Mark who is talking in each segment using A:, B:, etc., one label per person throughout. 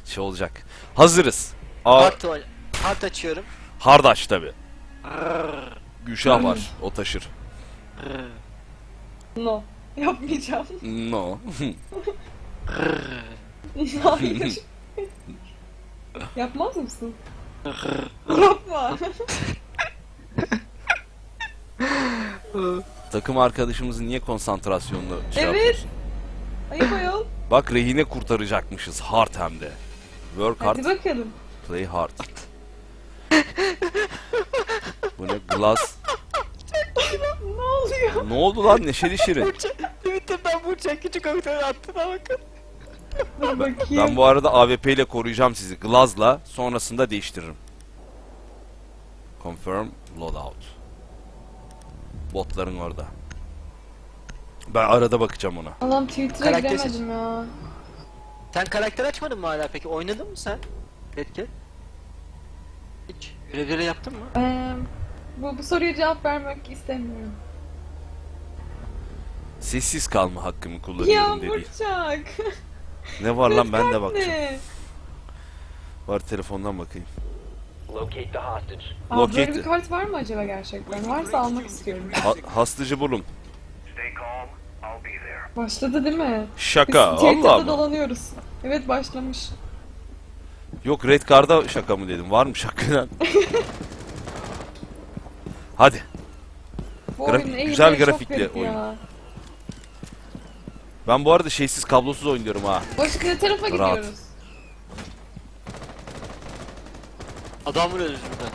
A: şey olacak. Hazırız. Aa,
B: Hard açıyorum.
A: Hardaş tabi. Gülşah var. O taşır.
C: No. Yapmayacağım.
A: No.
C: Hayır. Yapmaz mısın? Yapma.
A: Takım arkadaşımızın niye konsantrasyonunu şey
C: Evet.
A: yapıyorsun?
C: Ayıp ayol.
A: Bak rehine kurtaracakmışız. Hard hem de. Work hard,
C: Hadi bakalım.
A: play hard. Bu ne? Glass.
C: Ne oluyor?
A: Ne oldu lan Neşeli Şirin?
B: Twitter'dan Burçak küçük aktörü attığına bakın.
C: Dur bakayım.
A: Ben bu arada AWP ile koruyacağım sizi. Glaz'la sonrasında değiştiririm. Confirm loadout. Botların orada. Ben arada bakacağım ona.
C: Allah'ım Twitter'a
B: Karakter
C: giremedim ya.
B: Sen karakter açmadın mı hala peki? Oynadın mı sen? Redkit. Hiç görevleri yaptın mı?
C: Bu soruya cevap vermek istemiyorum.
A: Sessiz kalma hakkımı
C: Ya
A: kullanıyorum dedi.
C: Burçak.
A: Ne var lan ben de
C: Redkart
A: bakacağım.
C: ne?
A: Var telefondan bakayım.
D: Locate the hostage.
C: Aa,
A: Locate
C: böyle bir
A: it.
C: kart var mı acaba gerçekten? Varsa almak istiyorum.
A: Hastacı bulun.
D: Stay calm. I'll be there.
C: Başladı değil mi?
A: Şaka.
C: Biz Twitter'da
A: Allah mı?
C: dolanıyoruz. Evet başlamış.
A: Yok Red Card'a şaka mı dedim. Varmış hakikaten. Hadi.
C: Bu
A: Grafik-
C: oyunun eğimleri
A: güzel
C: çok
A: grafikli
C: garip
A: oyun.
C: ya.
A: Ben bu arada şeysiz kablosuz oynuyorum ha.
C: Başka ne tarafa
A: Rahat.
C: gidiyoruz?
B: Adam vuruyoruz burada.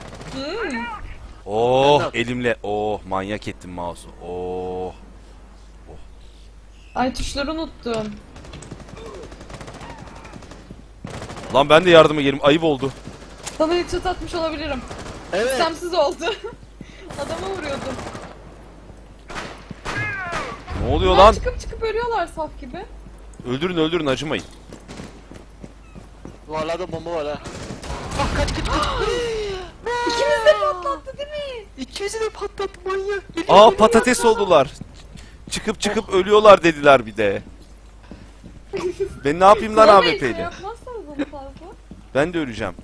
A: Oh
B: Ben de-
A: elimle. Oh manyak ettim mouse'u. Oh.
C: Ay tuşları unuttum.
A: Lan ben de yardıma gelim. Ayıp oldu.
C: Sana headshot atmış olabilirim.
B: Evet.
C: İstemsiz oldu. Adama vuruyordum.
A: Ne oluyor
C: Lan
A: lan?
C: çıkıp ölüyorlar saf gibi.
A: Öldürün öldürün acımayın.
B: Duvarlarda bomba var ha. Ah kaç.
C: İkimiz de patlattı değil mi?
B: İkimizi de patlattı manyak.
A: Aa patates oldular. Çıkıp ölüyorlar dediler bir de. Ben ne yapayım lan
C: Kulamayın,
A: AWP'yle?
C: yapmazsanız onu fazla.
A: Ben de öleceğim.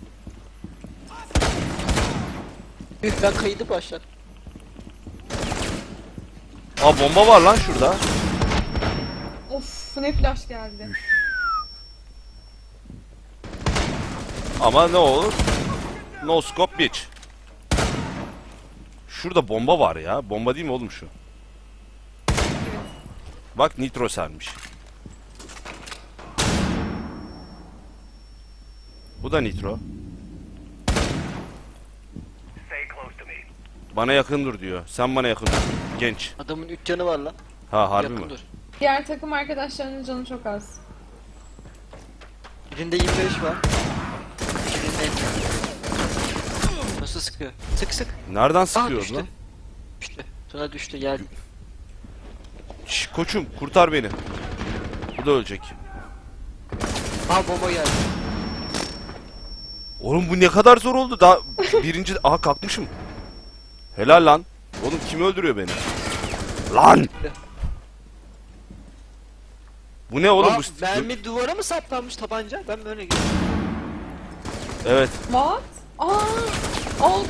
B: Ben kaydı başlar.
A: Aa bomba var lan şurada.
C: Of ne flash geldi.
A: Ama ne olur? No scope bitch. Şurada bomba var ya. Bomba değil mi oğlum şu? Bak nitro sermiş. Bu da nitro.
D: Stay close to me.
A: Bana yakın dur diyor. Sen bana yakın dur. Genç.
B: Adamın 3 canı var lan.
A: Ha harbi
B: Yakın
A: mi?
B: dur.
C: Diğer takım arkadaşlarının canı çok az.
B: Birinde 25 var. Birinde nasıl sıkıyor? Sık sık.
A: Nereden
B: Aa
A: sıkıyor
B: düştü.
A: lan?
B: Düştü. Sonra düştü geldi.
A: Şş, koçum kurtar beni. Bu da ölecek.
B: Aa bomba geldi.
A: Oğlum bu ne kadar zor oldu. Daha birinci... Aha kalkmışım. Helal lan. Oğlum kim öldürüyor beni? Lan! Bu ne oğlum
B: Aa,
A: bu?
B: mermi duvara mı saplanmış tabanca? Ben böyle gidiyorum.
A: Evet.
C: What? Aa! Al.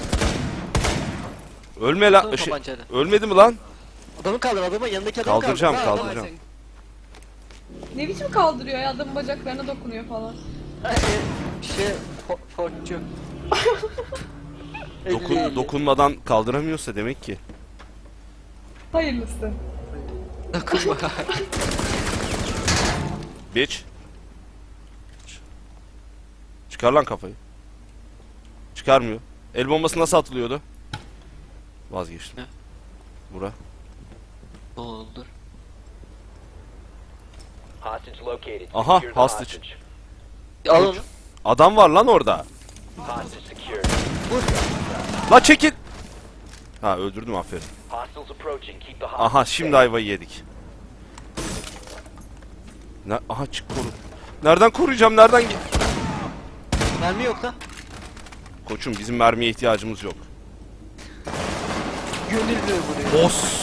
A: Ölme lan.
B: Bakalım tabancayla.
A: Ölmedi mi lan?
B: Adamı kaldır adamı yanındaki adamı
A: Kaldıracağım,
B: kaldır.
A: kaldıracağım.
C: Ne biçim kaldırıyor ya adamın bacaklarına dokunuyor falan.
B: Fortçu.
A: Dokunmadan kaldıramıyorsa demek ki.
C: Hayırlısı.
B: Dokunma.
A: Bitch. Çıkar lan kafayı. Çıkarmıyor. El bombası nasıl atılıyordu? Vazgeçtim.
B: Ne?
A: Bura.
B: Doldur.
D: Hostage located.
A: Aha,
D: Secure the
A: hostage.
B: Al onu.
A: Adam var lan orada.
D: Hostage secured.
A: La çekil. Ha öldürdüm aferin.
D: Hostiles approaching. Keep the hostage
A: Aha şimdi
D: safe.
A: ayvayı yedik. Aha çık koru. Nereden koruyacağım? Nereden
B: Mermi yok lan.
A: Koçum bizim mermiye ihtiyacımız yok.
B: Gönüllü buraya.
A: Boss.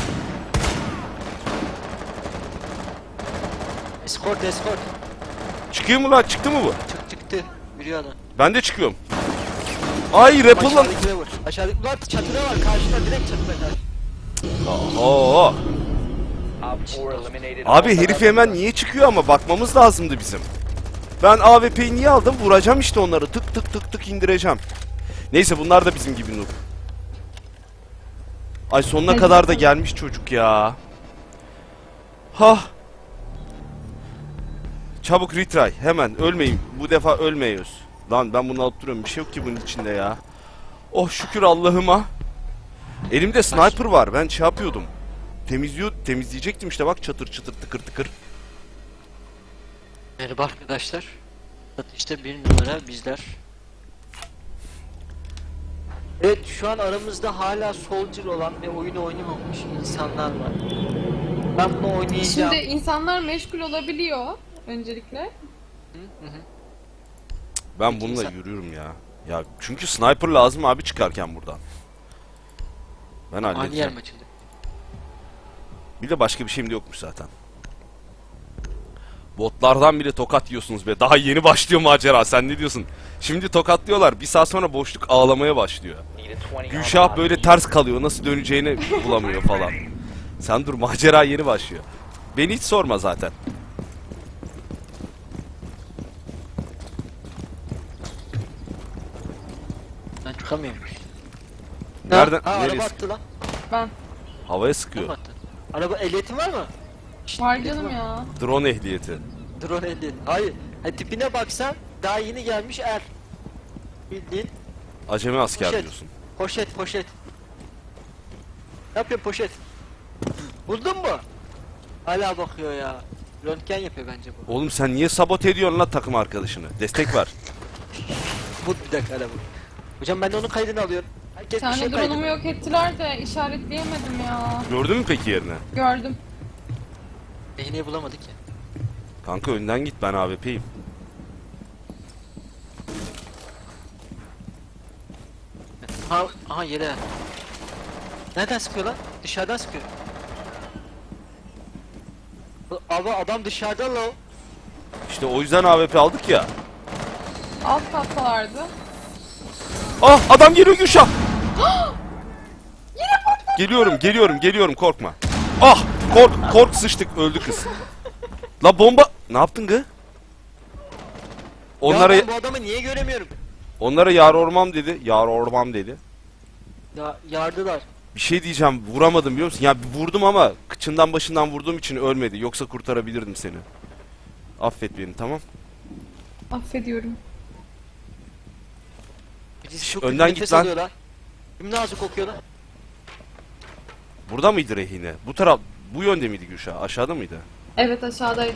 B: Escort.
A: Çıkıyor mu lan? Çıktı mı bu?
B: Çıktı. Yürüyor adam.
A: Ben de çıkıyorum. Ay Rappel'ın.
B: Aşağıdakine vur. Aşağıdaki ulan çatıda var karşıda direkt çatıda karşı.
A: Oo.
D: Op 4 eliminated.
A: Abi herif hemen niye çıkıyor ama bakmamız lazımdı bizim. Ben AWP'yi niye aldım? Vuracağım işte onları. Tık tık tık tık indireceğim. Neyse bunlar da bizim gibi noob. Ay sonuna
C: Hadi
A: kadar da
C: bakalım.
A: gelmiş çocuk ya. Hah. Çabuk retry. Hemen ölmeyin. Bu defa ölmeyiz. Lan ben bunu alıp duruyorum. Bir şey yok ki bunun içinde ya. Oh şükür Allah'ıma. Elimde sniper var. Ben şey yapıyordum. Temizleyecektim işte bak çatır çatır tıkır tıkır.
B: Merhaba arkadaşlar. Satışta bir numara bizler. Evet şu an aramızda hala soldier olan ve oyunu oynamamış insanlar var. Ben bunu oynayacağım.
C: Şimdi insanlar meşgul olabiliyor öncelikle.
A: Ben
B: Peki,
A: bununla
B: sen-
A: yürüyorum ya. Ya çünkü sniper lazım abi çıkarken buradan. Ben
B: Ani yer
A: halledeceğim.
B: mi açıldı?
A: Bir de başka bir şeyim de yokmuş zaten. Botlardan bile tokat yiyorsunuz be. Daha yeni başlıyor macera. Sen ne diyorsun? Şimdi tokatlıyorlar. Bir saat sonra boşluk ağlamaya başlıyor.
D: Need a 20 on
A: Gülşah
D: the
A: böyle ters kalıyor. Nasıl döneceğini bulamıyor falan. Sen dur macera yeni başlıyor. Beni hiç sorma zaten.
B: Ben çıkamıyorum.
A: Nereden?
B: Ha, araba
A: Neresi?
B: attı lan.
C: Ben.
A: Havaya
B: Kim
A: sıkıyor.
B: attı? Araba ehliyetin var mı? Şşt,
C: Var
B: ehliyetin
C: canım
B: var.
C: ya.
A: Drone ehliyeti.
B: Drone ehliyet. Hayır. Ha, tipine baksan daha yeni gelmiş er. Bildiğin
A: Acemi asker
B: Poşet.
A: diyorsun.
B: poşet poşet. Ne yapıyorsun poşet? Buldun mu? Hala bakıyor ya. Röntgen yapıyor bence bu.
A: Oğlum sen niye sabote ediyorsun lan takım arkadaşını? Destek ver.
B: Bu bir dakika araba. Hocam ben de onun kaydını alıyorum. Herkes
C: Bir
B: bir
C: tane
B: şey
C: drone'umu
B: kaydını.
C: yok ettiler de işaretleyemedim ya.
A: Gördün mü peki yerine?
C: Gördüm.
B: Rehineyi bulamadık ya.
A: Kanka önden git ben AWP'yim.
B: Ha, aha yere. Nereden sıkıyor lan? Dışarıdan sıkıyor. Abi adam dışarıda la o.
A: İşte o yüzden AWP aldık ya.
C: Alt kattalardı.
A: Ah adam geliyor Gülşah. Geliyorum korkma. Ah kork sıçtık öldü kız. La bomba ne yaptın gı? Onlara
B: Ya ben bu adamı niye göremiyorum?
A: yar ormam dedi.
B: Ya yardılar.
A: Bir şey diyeceğim vuramadım biliyor musun? Ya vurdum ama kıçından başından vurduğum için ölmedi. Yoksa kurtarabilirdim seni. Affet beni tamam.
C: Affediyorum.
B: Birisi çok
A: önden
B: nefes
A: git lan.
B: alıyor lan. Kim nazik kokuyor lan?
A: Burada mıydı rehine? Bu yönde miydi Gülşah? Aşağıda mıydı?
C: Evet aşağıdaydı.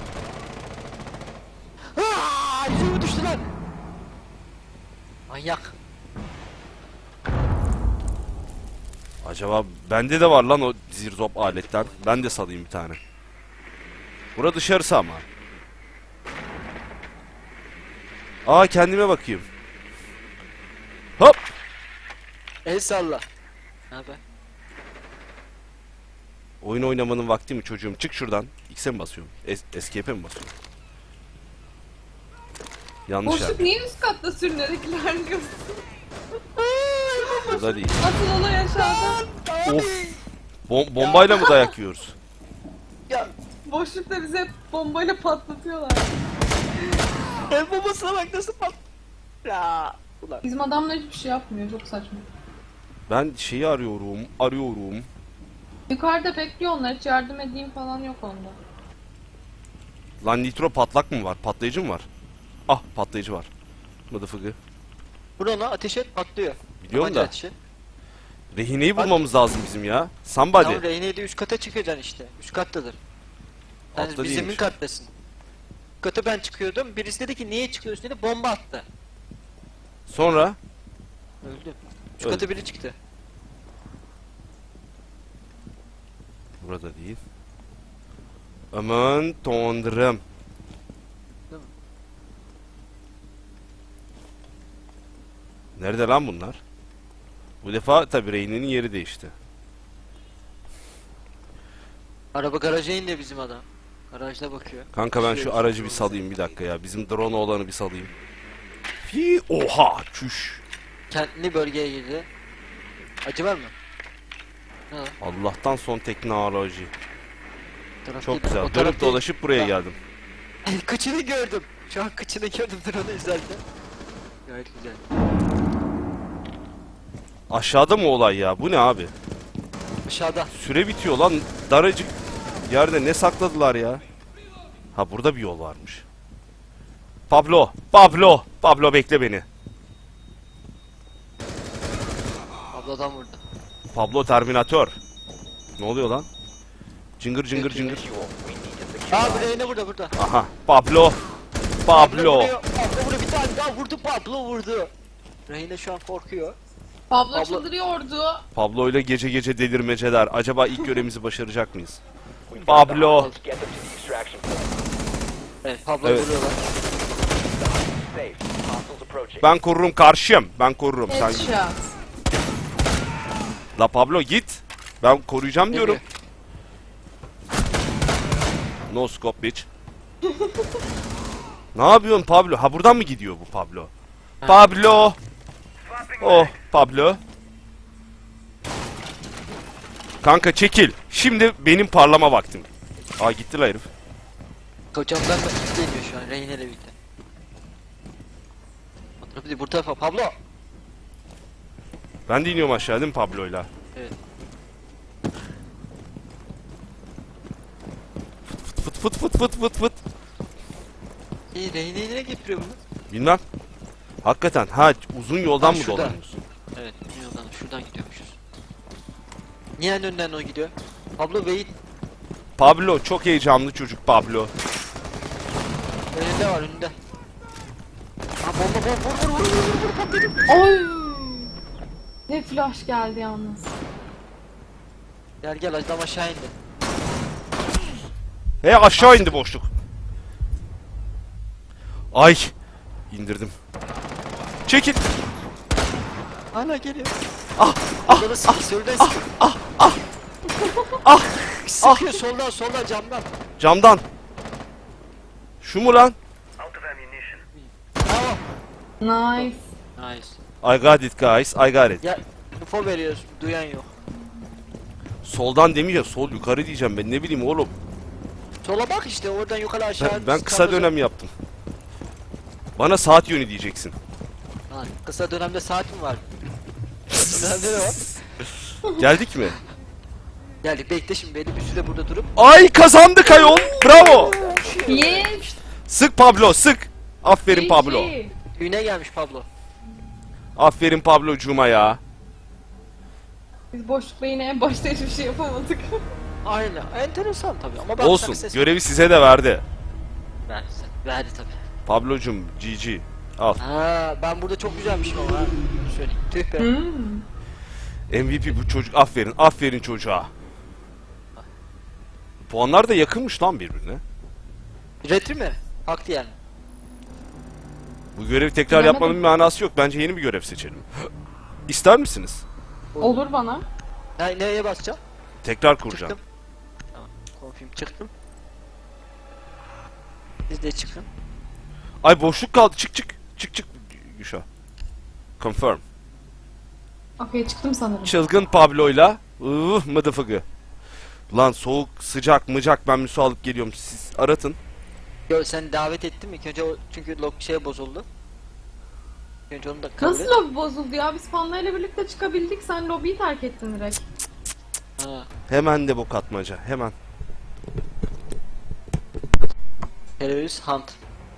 B: Aaa! Yüzüme düştü lan! Manyak.
A: Acaba bende de var lan o zirzop aletten. Ben de salayım bir tane. Bura dışarısı ama. Aa kendime bakayım. Hop.
B: El salla. Ne haber?
A: Oyun oynamanın vakti mi çocuğum? Çık şuradan. X'e mi basıyorum? Escape'e mi basıyorum? Yanlış
C: Boşluk
A: yerde.
C: niye üst katta sürünerek ilerliyorsun?
A: Burada değil.
C: Asıl olay aşağıda.
A: Of. Bombayla mı dayak yiyoruz?
B: Ya
C: Boşlukta bizi hep bombayla patlatıyorlar.
B: el babasına bak nasıl pat... Ya. Ulan.
C: Bizim adamlar hiçbir şey yapmıyor. Çok saçma.
A: Ben şeyi arıyorum.
C: Yukarıda bekliyor onlar. Hiç yardım edeyim falan yok onda.
A: Lan nitro patlak mı var? Patlayıcı mı var? Ah patlayıcı var. Mıdıfıgı.
B: Vur ona ateş et patlıyor.
A: Biliyorum
B: Tabanca
A: da.
B: ateş et.
A: Rehineyi bulmamız lazım bizim ya. Somebody.
B: Tamam rehineyi de üst kata çıkacaksın işte. Üst kattadır. Sen
A: Altta
B: bir zemin
A: değilmiş.
B: kattasın. Üst kata ben çıkıyordum. Birisi dedi ki niye çıkıyorsun dedi bomba attı.
A: Sonra
B: Öldü. Üst
A: Öldü.
B: kata biri çıktı.
A: burada değil. Aman tanrım.
B: Değil mi?
A: Nerede lan bunlar? Bu defa tabi Rehine'nin yeri değişti.
B: Araba garaja indi bizim adam. Garajda bakıyor.
A: Kanka ben şu aracı bir salayım bir dakika ya. Bizim drone olanı bir salayım. Fi oha çüş.
B: Kendini bölgeye girdi. Acı var mı? Ne lan?
A: Allah'tan son teknoloji.
B: Taraf
A: Çok
B: değil,
A: güzel.
B: o
A: Dönüp
B: taraf değil.
A: dolaşıp buraya geldim.
B: Kıçını gördüm. Şu an kıçını gördüm drone'u izlerken. Gayet güzel.
A: Aşağıda mı olay ya? Bu ne abi?
B: Aşağıda.
A: Süre bitiyor lan. Daracık yerde ne sakladılar ya? Ha burada bir yol varmış. Pablo, Pablo, Pablo bekle beni.
B: Abladan vurdu.
A: Pablo Terminator. Ne oluyor lan? Cıngır cıngır cıngır.
D: Visual. We need to secure.
B: Aa buraya ne burada burada.
A: Aha, Pablo. Pablo.
B: vuruyor. Pablo vuruyor. Bir tane daha vurdu. Pablo vurdu. Reyna şu an korkuyor.
C: Pablo
B: Pablo-
C: çıldırıyordu.
A: Pablo ile gece gece delirmeceler. Acaba ilk görevimizi başaracak mıyız?
D: We've got
A: Pablo.
D: the hostiles. Get them to the extraction point.
B: Evet Pablo
A: Evet.
B: vuruyorlar.
D: Safe. Hostiles approaching.
A: Ben korurum karşıyım. Ben korurum. Sen
C: Headshot.
A: La Pablo git. Ben koruyacağım diyorum.
B: Geliyor.
A: No scope bitch. Ne yapıyorsun Pablo? Ha buradan mı gidiyor bu Pablo? Pablo. Oh Pablo. Kanka çekil. Şimdi benim parlama vaktim. Aa gitti la herif.
B: Kocamdan da geliyor şu an Reyna ile birlikte. O tarafı değil, bu tarafa Pablo.
A: Ben de iniyorum aşağı değil mi Pablo'yla?
B: Evet.
A: Fıt fıt fıt fıt fıt fıt.
B: İyi Reyna'yı nereye getiriyor bunu?
A: Bilmem. Hakikaten ha uzun yoldan
B: Ha,
A: mı
B: şurada.
A: dolanıyorsun?
B: Evet yoldan şuradan gidiyormuşuz. Niye en önden o gidiyor? Pablo wait.
A: Pablo çok heyecanlı çocuk Pablo.
B: Önünde var önünde. Ha bomba bomba vur vur vur vur vur patladı.
C: Oy. Ne flash geldi yalnız.
B: Gel gel adam aşağı indi.
A: He aşağı indi boşluk. Ay indirdim. Çekil.
B: Hala geliyor.
A: Ah,
B: Soldan sıkıyor soldan sıkıyor. Sıkıyor soldan soldan camdan.
A: Camdan. Şu mu lan?
B: Bravo.
C: Nice.
B: Nice.
A: I got it guys. I got it.
B: Ya info veriyoruz duyan yok.
A: Soldan demeyeceğim. Sol yukarı diyeceğim ben. Ne bileyim oğlum.
B: Sola bak işte oradan yukarı aşağı.
A: Ben kısa dönem yaptım. Bana saat yönü diyeceksin.
B: Lan kısa dönemde saat mi var? Dönemde ne var?
A: Geldik mi?
B: Geldik bekle şimdi belli bir süre burada durup.
A: Ay kazandık ayol. Bravo.
C: Yes.
A: Sık Pablo sık. Aferin
C: GG.
A: Pablo.
B: Düğüne gelmiş Pablo.
A: Aferin Pablo'cuma ya.
C: Biz boşlukla yine en başta hiçbir şey yapamadık.
B: Aynen. Enteresan tabii ama ben
A: Olsun.
B: success-
A: Görevi size de verdi.
B: Verdi tabii.
A: Pablo'cum GG. Al.
B: Ha ben burada çok güzelmişim ama ha. Söyleyeyim. Tüh be.
A: MVP bu çocuk. Aferin. Aferin çocuğa. Puanlar da yakınmış lan birbirine.
B: Retri mi? Haklı yani.
A: Bu görevi tekrar
C: Bilemedim.
A: yapmanın bir manası yok. Bence yeni bir görev seçelim. İster misiniz?
C: Olur bana.
B: Neye basacağım?
A: Tekrar kuracağım.
B: Çıktım. Tamam. Confirm çıktım. Siz de çıkın.
A: Ay boşluk kaldı. Çık çık. Çık çık. Güşa. Confirm.
C: Okey çıktım sanırım.
A: Çılgın Pablo'yla mıdıfıgı. Lan soğuk, sıcak, mıcak ben müsu alıp geliyorum. Siz aratın.
B: Yo sen davet ettin mi? İlk önce o çünkü log şey bozuldu. İlk önce onu da kabul
C: Nasıl
B: et.
C: lobi bozuldu ya? Biz fanlarıyla birlikte çıkabildik. Sen lobiyi terk ettin direkt.
B: Ha.
A: Hemen de bok atmaca. Hemen.
B: Terörist hunt.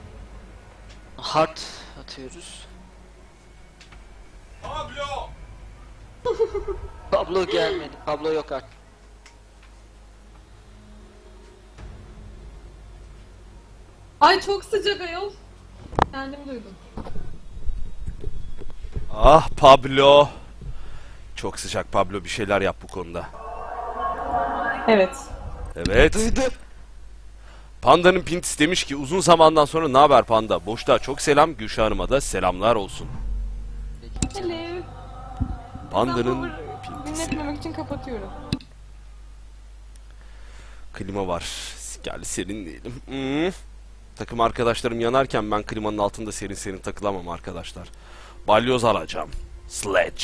B: Heart atıyoruz.
A: Pablo!
B: Pablo gelmedi. Pablo yok artık.
C: Ay çok sıcak ayol. Kendim duydum.
A: Ah Pablo. Çok sıcak Pablo. Bir şeyler yap bu konuda.
C: Evet.
A: Evet.
B: Duydu.
A: Panda'nın Pintis demiş ki uzun zamandan sonra ne haber Panda? Boşta çok selam. Gülşah Hanım'a da selamlar olsun.
C: Hello.
A: Panda'nın
C: Ben dinletmemek için kapatıyorum.
A: klima var. Gel serinleyelim. Takım arkadaşlarım yanarken ben klimanın altında serin serin takılamam arkadaşlar. Balyoz alacağım. Sledge.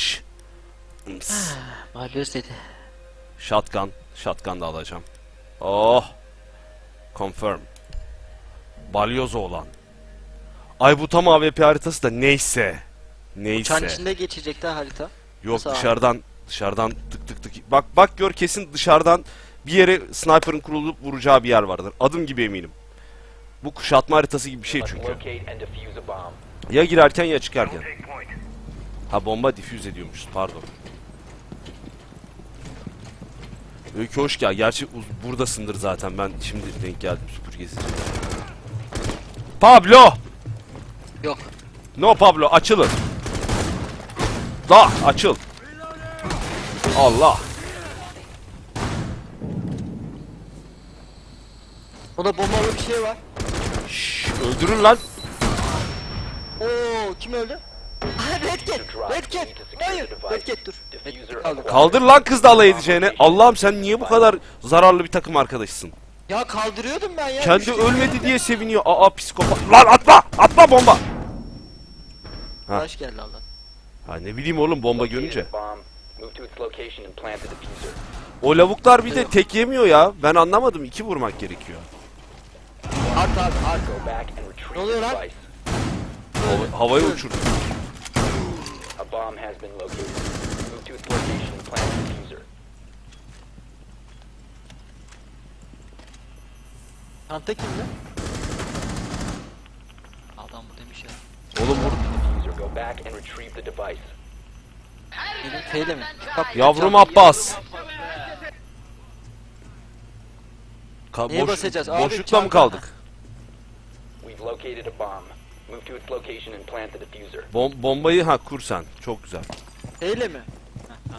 B: Balyoz dedi.
A: Shotgun. Shotgun da alacağım. Oh. Confirm. Balyoz olan. Ay bu tam AWP haritası da neyse.
B: Uçağın
A: Neyse.
B: içinde geçecekler harita.
A: Yok
B: Nasıl abi?
A: dışarıdan tık tık tık. Bak gör kesin dışarıdan bir yere sniper'ın kurulup vuracağı bir yer vardır. Adım gibi eminim. Bu kuşatma haritası gibi bir şey
D: Must
A: çünkü.
D: locate and defuse a bomb.
A: Ya girerken ya çıkarken. Ha bomba difüz ediyormuşuz pardon. Öykü hoş gel. Gerçi buradasındır zaten. Ben şimdi denk geldim süpürgesi. Pablo!
B: Yok.
A: No Pablo açılın. Da açıl. Allah.
B: Burada bombalı bir şey var.
A: Şşş, öldürün lan.
B: Oo kim öldü? Aha Red Cat. Red Cat. Hayır. Red Cat dur. Red Cat kaldı.
A: Kaldır lan kız da alay edeceğine. Allah'ım sen niye bu kadar zararlı bir takım arkadaşsın?
B: Ya kaldırıyordum ben ya.
A: Kendi
B: Düştü.
A: ölmedi diye seviniyor. Aa psikopat. Lan atla! Atla bomba! Ha.
B: Arkadaş geldi Allah.
A: Ha ne bileyim oğlum bomba
D: Located
A: görünce.
D: a bomb. Move to its location and plant the diffuser.
A: O lavuklar bir de tek yemiyor ya. Ben anlamadım. 2 vurmak gerekiyor.
B: Art abi art.
D: Go back and retrieve
B: Ne oluyor
D: the
B: lan?
D: device.
A: Havaya uçurdu.
D: A bomb has been located. Move to its location and plant the diffuser.
B: Çanta kimde? Adam bu demiş ya.
A: Oğlum vur.
D: Diffuser. Go back and retrieve the device.
B: Benim feyle mi? Bak,
A: Yavrum Abbas.
B: Neye basacağız? Abi,
A: Boşlukta mı
B: çanta.
A: kaldık?
D: We've located a bomb. Move to its location and plant the diffuser.
A: Bombayı ha kur sen. Çok güzel.
B: Feyle mi? Heh, tamam.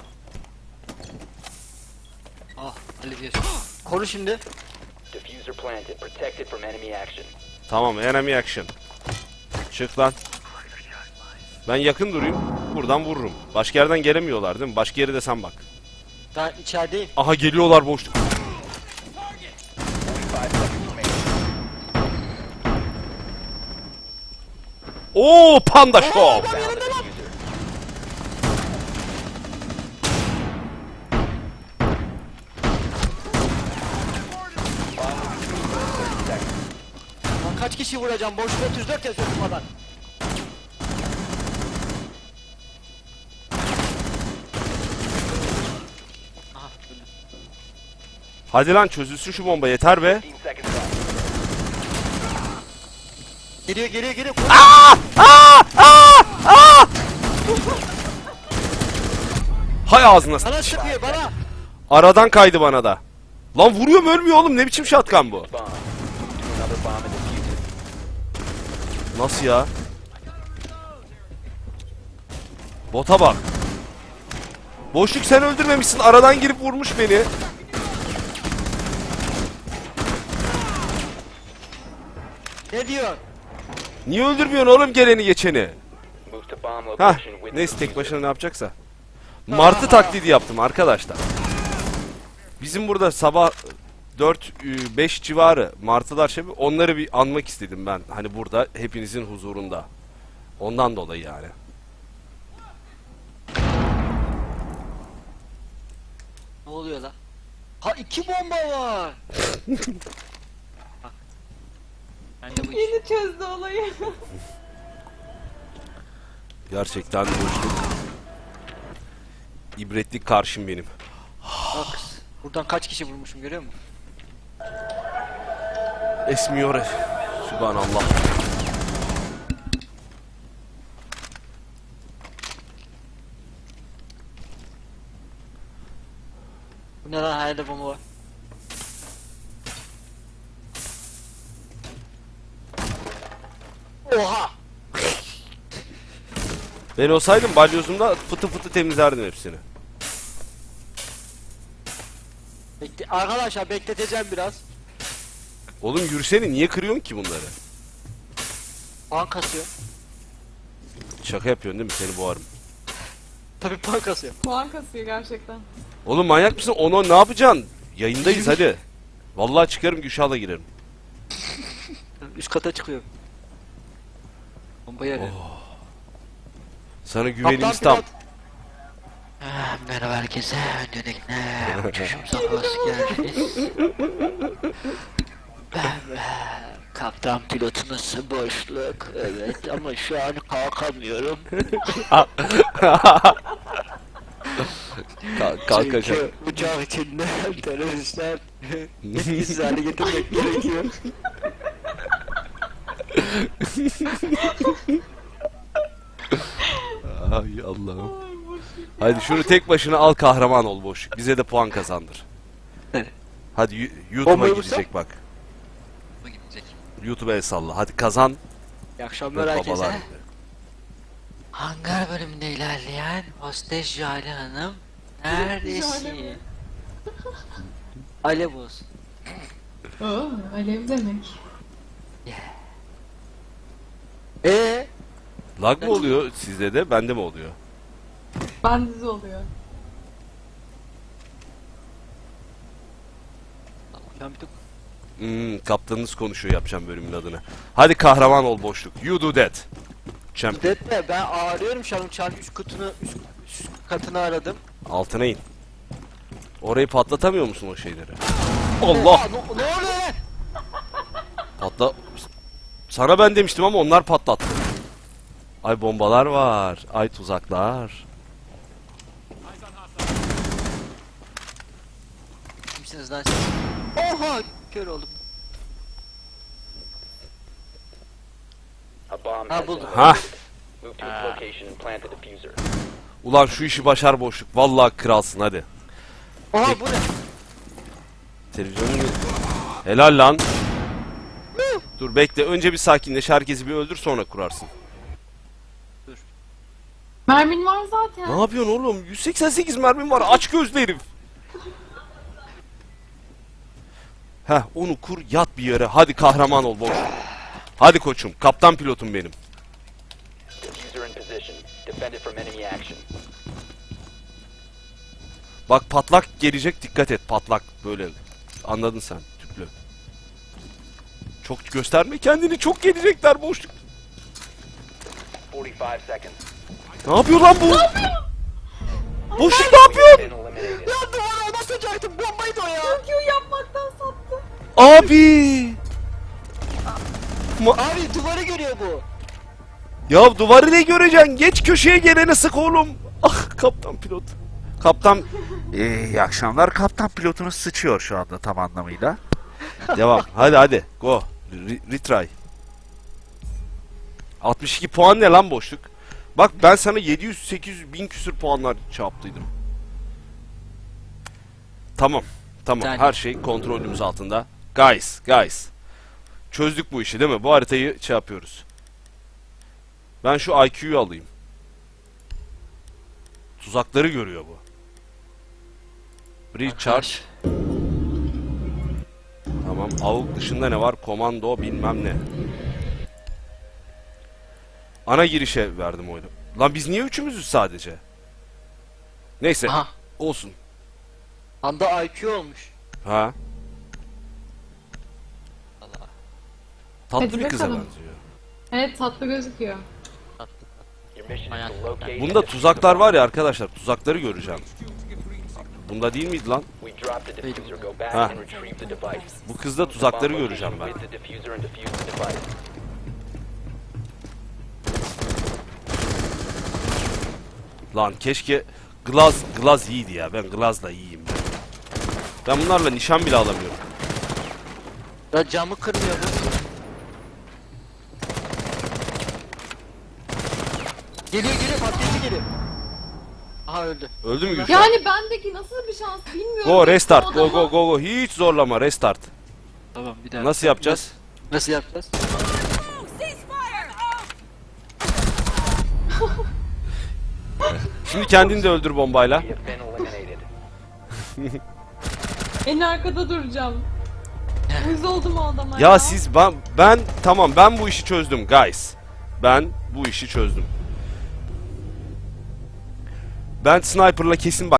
B: Ah hallediyorsun. Koru şimdi.
D: Diffuser planted. Protected from enemy action.
A: Tamam enemy action. Çık lan. Ben yakın durayım. Buradan vururum. Başka yerden gelemiyorlar değil mi? Başka yere de sen bak.
B: Ben içerideyim.
A: Aha geliyorlar boşluk.
D: 5 seconds remaining.
A: Oo Panda Show.
D: Found the diffuser.
B: Lan kaç kişi vuracağım? Boşluğa 34 yazıyor durmadan. Aha öldü.
A: Hadi lan çözülsün şu bomba yeter be.
D: 15 seconds left.
B: Geliyor geliyor geliyor.
A: Hay ağzına
B: Bana
A: sıç.
B: sıkıyor bana.
A: Aradan kaydı bana da. Lan vuruyor mu ölmüyor oğlum ne biçim shotgun bu?
D: Bomb. To another bomb and defuse it.
A: Nasıl ya? Bota bak. Boşluk sen öldürmemişsin aradan girip vurmuş beni.
B: Ne diyor?
A: Niye öldürmüyorsun oğlum geleni geçeni?
D: Move to bomb
A: Hah
D: location with the
A: neyse tek
D: diffuser.
A: başına ne yapacaksa. Martı taklidi yaptım arkadaşlar. Bizim burada sabah 4-5 civarı martılar şey onları bir anmak istedim ben. Hani burada hepinizin huzurunda. Ondan dolayı yani.
B: Ne oluyor lan? Ha 2 bomba var. Bak. Ben de bu iş.
C: Yeni çözdü olayı.
A: Gerçekten boşluk. İbretlik karşım benim.
B: Bak. Buradan kaç kişi vurmuşum görüyor musun?
A: Esmiyor. Sübhanallah.
B: Bu ne lan hayalde bomba var. Oha!
A: Ben olsaydım balyozumda fıtı fıtı temizlerdim hepsini.
B: Arkadaşlar bekleteceğim biraz.
A: Oğlum yürüsene niye kırıyorsun ki bunları?
B: Puan kasıyor.
A: Şaka yapıyorsun değil mi? Seni boğarım.
B: Tabii puan kasıyor.
C: Puan kasıyor gerçekten.
A: Oğlum manyak mısın? Onu ne yapacaksın? Yayındayız hadi. Vallahi çıkarım Gülşah'la girerim.
B: Üst kata çıkıyor. Bombayı arıyor.
A: Sana güvenimiz tam.
B: Merhaba herkese. Öncelikle uçuşumuza hoş geldiniz. Ben kaptan pilotunuz boşluk. Evet ama şu an kalkamıyorum.
A: Kalk
B: Çünkü uçak içinde teröristler etkisiz hale getirmek gerekiyor.
A: Ay Allah'ım. Hadi şunu tek başına al, kahraman ol boşluk. Bize de puan kazandır.
B: Evet.
A: Hadi YouTube'a
B: Bombayı
A: gidecek bak.
B: Bu gidecek.
A: YouTube'a el salla. Hadi kazan.
B: İyi akşamlar
A: Ve
B: herkese.
A: babalar.
B: Hangar bölümünde ilerleyen hostes Jale Hanım neredesin? Alev olsun.
C: Oo, alev demek.
A: Lag mı oluyor sizde de? Bende mi oluyor?
C: Bandiz oluyor.
A: Kaptanınız konuşuyor, yapacağım bölümün adını. Hadi kahraman ol boşluk. You do that. Champ.
B: Detme ben ağrıyorum şu an uçağın üst katını aradım.
A: Altına in. Orayı patlatamıyor musun o şeyleri? Allah!
B: Ne oluyor lan?
A: Patla... Sana ben demiştim ama onlar patlattı. Ay bombalar var. Ay tuzaklar.
B: Kimsiniz lan siz? Oha! Kör oldum.
D: A bomb
B: Ha,
D: has been
B: buldum.
A: Ha.
D: located. Move to its location and plant the diffuser.
A: Ulan şu işi başar boşluk. Vallahi kralsın hadi.
B: Oha bu ne?
A: Televizyonun... Helal lan. Dur bekle. Önce bir sakinleş. Herkesi bir öldür, sonra kurarsın.
C: Mermin var zaten.
A: Ne yapıyorsun oğlum? 188 mermim var. Aç gözlü herif. Heh, onu kur, yat bir yere. Hadi kahraman ol boş. Hadi koçum. Kaptan pilotum benim.
D: Diffuser in position. Defend it from enemy action.
A: Bak patlak gelecek, dikkat et. Patlak böyle. Anladın sen tüplü. Çok gösterme kendini. Çok gelecekler boşluk.
D: 45 seconds.
A: Ne yapıyor lan bu? Boşluk ne yapıyor?
D: Been eliminated.
B: Ya duvara basacaktım bombaydı o ya.
C: Q yapmaktan sattı.
A: Abi.
B: Abi duvarı görüyor bu.
A: Ya duvarı ne göreceksin? Geç köşeye gelene sık oğlum. Ah kaptan pilot. Kaptan... İyi akşamlar. Kaptan pilotunuz sıçıyor şu anda tam anlamıyla. Devam. Hadi. Go. Retry. 62 puan ne lan boşluk? Bak ben sana 700-800 bin küsür puanlar çarptıydım. Tamam.
B: Yani.
A: Her şey kontrolümüz altında. Guys. Çözdük bu işi değil mi? Bu haritayı yapıyoruz. Ben şu IQ'yu alayım. Tuzakları görüyor bu. Recharge. Tamam. AUG dışında ne var? Komando bilmem ne. Ana girişe verdim oyunu. Lan biz niye üçümüzüz sadece? Neyse.
B: Aha.
A: Olsun.
B: Anda IQ olmuş.
A: Ha.
B: Allah.
A: Tatlı
C: Hadi
A: bir kıza
C: bakalım.
A: benziyor.
C: Evet, tatlı gözüküyor.
D: Your mission is
B: Hayat.
D: to locate
A: Bunda
D: and
A: tuzaklar var ya arkadaşlar. Tuzakları göreceğim. Bunda değil miydi lan?
D: we drop the diffuser. Go back
A: Ha.
D: and retrieve the device.
A: Bu kızda
D: Move to
A: tuzakları
D: bomb
A: göreceğim
D: location
A: ben.
D: with the diffuser and defuse the device.
A: Lan keşke Glaz iyiydi ya. Ben Glaz'la iyiyim. Ben bunlarla nişan bile alamıyorum.
B: Ya camı kırmıyor bu. Geliyor patlayıcı geliyor. Aha öldü.
A: Öldü mü Gülşah?
C: Yani bendeki nasıl bir şans bilmiyorum.
A: Go restart.
C: O
A: Go
C: adama-
A: go. Hiç zorlama restart.
B: Tamam bir daha.
A: Nasıl yapacağız?
B: Nasıl yapacağız?
A: Şimdi kendini de öldür bombayla.
D: We have been eliminated.
C: En arkada duracağım. Uyuz oldum o adama
A: Ya siz ben tamam ben bu işi çözdüm guys. Ben bu işi çözdüm. Ben sniper'la kesin bak